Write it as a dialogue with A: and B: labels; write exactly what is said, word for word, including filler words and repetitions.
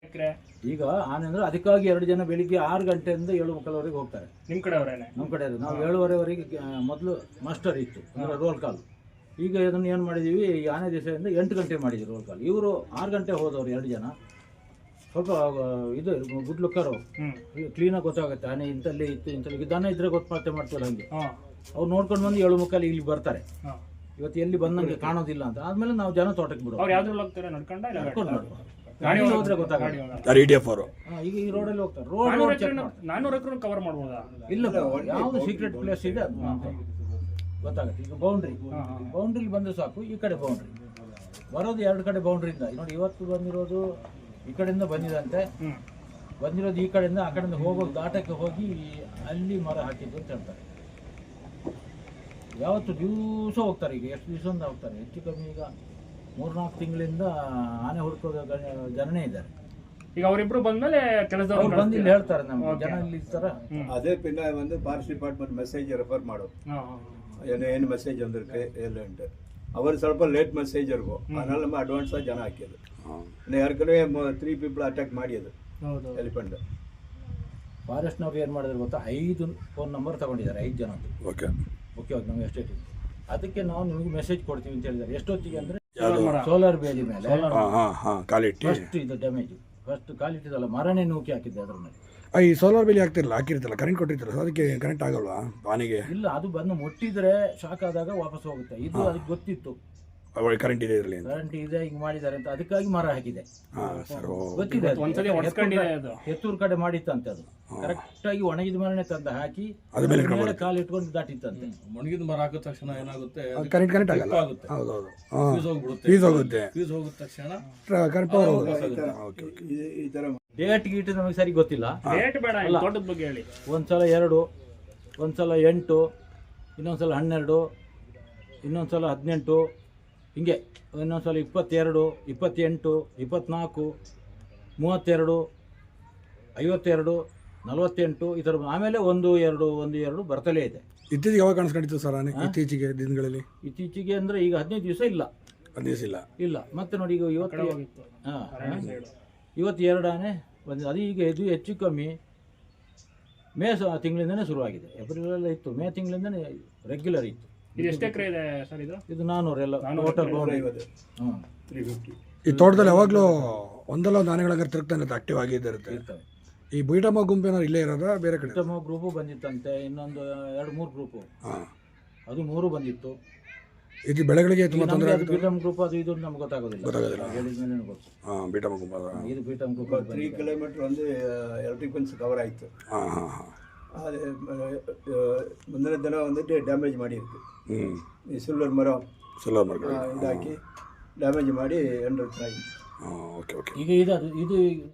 A: ಈಗ ಆನೆ ಅಂದ್ರೆ ಅದಕ್ಕಾಗಿ ಎರಡು ಜನ ಬೆಳಿಗ್ಗೆ ಆರು ಗಂಟೆಯಿಂದ ಏಳು ಮುಕ್ಕಾಲ್ವರೆಗೆ ಹೋಗ್ತಾರೆ.
B: ನಿಮ್ಮ ಕಡೆ ಅವರೇನೆ?
A: ನಮ್ಮ ಕಡೆ ನಾವು ಏಳುವರೆವರೆಗೆ ಮೊದಲು ಮಾಸ್ಟರ್ ಇತ್ತು ಅಂದ್ರೆ ರೋಲ್ ಕಾಲ್. ಈಗ ಇದನ್ನು ಏನು ಮಾಡಿದ್ದೀವಿ, ಈ ಆನೆ ದಿವಸದಿಂದ ಎಂಟು ಗಂಟೆ ಮಾಡಿದ್ವಿ ರೋಲ್ ಕಾಲ್. ಇವರು ಆರು ಗಂಟೆ ಹೋದವರು ಎರಡು ಜನ. ಸ್ವಲ್ಪ ಇದು ಗುಡ್ ಲುಕ್ಕರು ಕ್ಲೀನಾಗಿ ಗೊತ್ತಾಗುತ್ತೆ ಆನೆ ಇಂಥಲ್ಲೇ ಇತ್ತು ಇಂಥಲ್ಲಿ ದನ ಇದ್ರೆ ಗೊತ್ತು ಮತ್ತೆ ಮಾಡ್ತಾರೆ. ಹಂಗೆ ಅವ್ರು ನೋಡ್ಕೊಂಡು ಬಂದು ಏಳು ಮುಕ್ಕಾಲು ಇಲ್ಲಿ ಬರ್ತಾರೆ. ಇವತ್ತು ಎಲ್ಲಿ ಬಂದಂಗೆ ಕಾಣೋದಿಲ್ಲ ಅಂತ ಆದ್ಮೇಲೆ ನಾವು ಜನ ತೋಟಕ್ಕೆ ಬಿಡೋದು. ಗಾಡಿ ಹೋದ್ರೆ ಗೊತ್ತಾಗುತ್ತೆ. ಈಗ ಈ ರೋಡಲ್ಲಿ ಹೋಗ್ತಾರೆ. ರೋಡ್
B: ನಾನೂರು ಎಕರೆ ಕವರ್ ಮಾಡ್ಬೋದಾ?
A: ಇಲ್ಲ, ಯಾವ್ದು ಸೀಕ್ರೆಟ್ ಪ್ಲೇಸ್ ಇದೆ ಅದು ಗೊತ್ತಾಗುತ್ತೆ. ಈಗ ಬೌಂಡ್ರಿ ಬೌಂಡ್ರಿ ಬಂದ್ರೆ ಸಾಕು. ಈ ಕಡೆ ಬೌಂಡ್ರಿ ಬರೋದು ಎರಡು ಕಡೆ ಬೌಂಡ್ರಿಯಿಂದ ನೋಡಿ. ಇವತ್ತು ಬಂದಿರೋದು ಈ ಕಡೆಯಿಂದ ಬಂದಿದಂತೆ, ಬಂದಿರೋದು ಈ ಕಡೆಯಿಂದ ಆ ಕಡೆಯಿಂದ ಹೋಗೋ ದಾಟಕ್ಕೆ ಹೋಗಿ ಅಲ್ಲಿ ಮರ ಹಾಕಿದ್ದು ಅಂತ ಹೇಳ್ತಾರೆ. ಯಾವತ್ತು ದಿವಸ ಹೋಗ್ತಾರೆ. ಈಗ ಎಷ್ಟು ದಿವಸದಿಂದ ಹೋಗ್ತಾರೆ, ಹೆಚ್ಚು ಕಮ್ಮಿ ಈಗ ಮೂರ್ನಾಲ್ಕು ತಿಂಗಳಿಂದ ಆನೆ ಹುಡುಕೋದು ಜನನೇ ಇದ್ದಾರೆ.
B: ಈಗ ಅವರಿಬ್ರು ಬಂದ್ಮೇಲೆ ಕೆಲಸದವ್ರು
A: ಬಂದು ಇಲ್ಲಿ ಹೇಳ್ತಾರೆ ನಮ್ಗೆ ಜನ ಇಲ್ಲಿ ಇರ್ತಾರ.
C: அதே பின்ன வந்து ஃபாரஸ்ட் டிபார்ட்மெண்ட் மெசேஜ் ரெஃபர் ಮಾಡೋದು. ಏನು ಏನು ಮೆಸೇಜ್ ಅಂದಿರುತ್ತೆ ಎಲ್ಲಂಟು ಅವರು ಸ್ವಲ್ಪ ಲೇಟ್ ಮೆಸೇಜ್ ಇರ್ಗೋ, ಅದனால நம்ம ಅಡ್ವಾನ್ಸ್ ಆಗಿ ಜನ ಹಾಕಿದ್ದು. ಯಾರ್ಕಡೆ ತ್ರೀ ಪೀಪಲ್ ಅಟ್ಯಾಕ್ ಮಾಡಿದ್ದು ಎಲಿಫೆಂಟ್.
A: ಫಾರೆಸ್ಟ್ನವ್ರು ಏನು ಮಾಡಿದ್ರು ಗೊತ್ತಾ, ಐದು ಫೋನ್ ನಂಬರ್ ತಗೊಂಡಿದ್ದಾರೆ ಐದು ಜನ. ಓಕೆ ಓಕೆ ಓಕೆ ನಮ್ಗೆ ಎಸ್ಟೇಟ್ ಅದಕ್ಕೆ ನಾವು ನಿಮಗೆ ಮೆಸೇಜ್ ಕೊಡ್ತೀವಿ ಅಂತ ಹೇಳಿದ್ದಾರೆ. ಎಷ್ಟೊತ್ತಿಗೆ ಅಂದರೆ ಸೋಲಾರ್ ಬೇಲಿ ಮೇಲೆ ಫಸ್ಟ್ ಇದು ಡ್ಯಾಮೇಜ್ ಫಸ್ಟ್ ಕಾಲಿಟ್ಟಿದಲ್ಲ ಮರನೇ ನೂಕಿ ಹಾಕಿದ್ದೆ ಅದ್ರ ಮೇಲೆ.
D: ಈ ಸೋಲಾರ್ ಬೇಲಿ ಹಾಕ್ತಿರಲ್ಲ ಹಾಕಿರ್ತಲ್ಲ ಕರೆಂಟ್ ಕೊಟ್ಟಿರ್ತಾರಲ್ಲ, ಅದಕ್ಕೆ ಕರೆಂಟ್ ಆಗಲ್ವಾ ಆನೆಗೆ?
A: ಇಲ್ಲ, ಅದು ಬಂದು ಮುಟ್ಟಿದ್ರೆ ಶಾಕ್ ಆದಾಗ ವಾಪಸ್ ಹೋಗುತ್ತೆ. ಇದು ಅದಕ್ಕೆ ಗೊತ್ತಿತ್ತು
D: ಕರೆಂಟ್ ಇದೆ ಇರಲಿ
A: ಕರೆಂಟ್ ಇದೆ ಹಿಂಗೆ ಮಾಡಿದ್ದಾರೆ ಅಂತ, ಅದಕ್ಕಾಗಿ ಮರ ಹಾಕಿದೆ. ಗೊತ್ತಿದೆ ಎತ್ತೂರು ಕಡೆ ಮಾಡಿತ್ತಂತೆ. ಅದು ಕರೆಕ್ಟ್ ಆಗಿ ಒಣಗಿದ ಮರನೇ ತಂದು ಹಾಕಿ ಮೇಲೆ ಕಾಲು ಇಟ್ಕೊಂಡು ದಾಟಿತ್ತಂತೆ.
E: ಒಣಗಿದ ಮರ ಹಾಕಿದ ತಕ್ಷಣ ಏನಾಗುತ್ತೆ,
D: ಕರೆಂಟ್ ಕನೆಕ್ಟ್ ಆಗಲ್ಲ. ಹೌದೌದು, ಫೀಸ್ ಹೋಗ್ಬಿಡುತ್ತೆ. ಫೀಸ್ ಹೋಗುತ್ತೆ ಫೀಸ್ ಹೋಗಿದ ತಕ್ಷಣ ಕರೆಂಟ್ ಪವರ್ ಹೋಗುತ್ತೆ.
C: ಈ ತರ
A: ಡೇಟ್ ಗೀಟ್ ನಮಗೆ ಸರಿ ಗೊತ್ತಿಲ್ಲ.
B: ಡೇಟ್ ಬೇಡ, ತೋಟದ ಬಗ್ಗೆ ಹೇಳಿ.
A: ಒಂದ್ಸಲ ಎರಡು, ಒಂದ್ಸಲ ಎಂಟು, ಇನ್ನೊಂದ್ಸಲ ಹನ್ನೆರಡು, ಇನ್ನೊಂದ್ಸಲ ಹದಿನೆಂಟು, ಹಿಂಗೆ ಇನ್ನೊಂದ್ಸಲ ಇಪ್ಪತ್ತೆರಡು, ಇಪ್ಪತ್ತೆಂಟು, ಇಪ್ಪತ್ನಾಲ್ಕು, ಮೂವತ್ತೆರಡು, ಐವತ್ತೆರಡು, ನಲವತ್ತೆಂಟು ಈ ಥರ. ಆಮೇಲೆ ಒಂದು ಎರಡು ಒಂದು ಎರಡು ಬರ್ತಲೇ ಇದೆ.
D: ಇತ್ತೀಚೆಗೆ ಯಾವಾಗ ಕಾಣಿಸ್ಕೊಂಡಿತ್ತು ಸರ್ ಆನೆ? ಇತ್ತೀಚೆಗೆ ದಿನಗಳಲ್ಲಿ
A: ಇತ್ತೀಚೆಗೆ ಅಂದರೆ ಈಗ ಹದಿನೈದು ದಿವಸ ಇಲ್ಲ
D: ಹದಿನೈದು ದಿವಸ ಇಲ್ಲ ಇಲ್ಲ
A: ಮತ್ತೆ ನೋಡಿ ಈಗ ಇವತ್ತು ಹಾಂ ಇವತ್ತು ಎರಡು ಆನೆ ಬಂದಿದೆ. ಅದು ಈಗ ಇದು ಹೆಚ್ಚು ಕಮ್ಮಿ ಮೇ ತಿಂಗಳಿಂದನೇ ಶುರುವಾಗಿದೆ. ಏಪ್ರಿಲಲ್ಲ ಇತ್ತು, ಮೇ ತಿಂಗಳಿಂದನೇ ರೆಗ್ಯುಲರ್ ಇತ್ತು.
B: ಇದು ಎಷ್ಟು ಎಕರೆ ಇದೆ ಸರ್? ಇದು
A: ಇದು ನಾನ್ನೂರು ಎಲ್ಲ ಟೋಟಲ್ ಬೌಂಡ್ರಿ. ಹ್ಞೂ
C: ತ್ರೀ ಫಿಫ್ಟಿ.
D: ಈ ತೋಟದಲ್ಲಿ ಯಾವಾಗಲೂ ಒಂದಲ್ಲ ಒಂದು ಆನೆಗಳ ತಿರುಗ್ತಾನೆ ಆಕ್ಟಿವ್ ಆಗಿದ್ದಿರುತ್ತೆ.
A: ಇರ್ತವೆ.
D: ಈ ಬೀಟಮ್ಮ ಗುಂಪು ಏನಾದ್ರು ಇಲ್ಲೇ ಇರೋದಾ ಬೇರೆ ಕಡೆ?
A: ಬೀಟಮ್ಮ ಗ್ರೂಪು ಬಂದಿತ್ತಂತೆ, ಇನ್ನೊಂದು ಎರಡು ಮೂರು ಗ್ರೂಪು, ಅದು ಮೂರು ಬಂದಿತ್ತು.
D: ಇದು ಬೆಳೆಗಳಿಗೆ ತುಂಬ ತೊಂದರೆ ಆಗುತ್ತೆ.
A: ಬೀಟಮ್ ಗ್ರೂಪ್ ಅದು ಇದು ನಮ್ಗೆ ಗೊತ್ತಾಗೋದಿಲ್ಲ,
D: ಗೊತ್ತಾಗೋದಿಲ್ಲ.
A: ಹೇಳಿದ್ಮೇಲೆ ಗೊತ್ತು.
D: ಹಾಂ, ಬೀಟಮ್ಮ ಗುಂಪು
A: ಇದು ಬೀಟಮ್ ಗ್ರೂಪ್.
C: ತ್ರೀ ಕಿಲೋಮೀಟರ್ ಒಂದು ಎಲೆಕ್ಟ್ರಿಕ್ ಫೆನ್ಸ್ ಕವರ್ ಆಯಿತು.
D: ಹಾಂ ಹಾಂ ಹಾಂ
C: அது முந்தின தினம் வந்துட்டு டேமேஜ் ಮಾಡಿருக்கு. ಈ ಸಿಲ್ವರ್ ಮರ
D: ಸಿಲ್ವರ್ ಮರ
C: ಇದಾಕಿ ಡ್ಯಾಮೇಜ್ ಮಾಡಿ ಎಂಡ್ ಆಗಿ.
D: ಓಕೆ ಓಕೆ
A: ಈಗ ಇದು ಇದು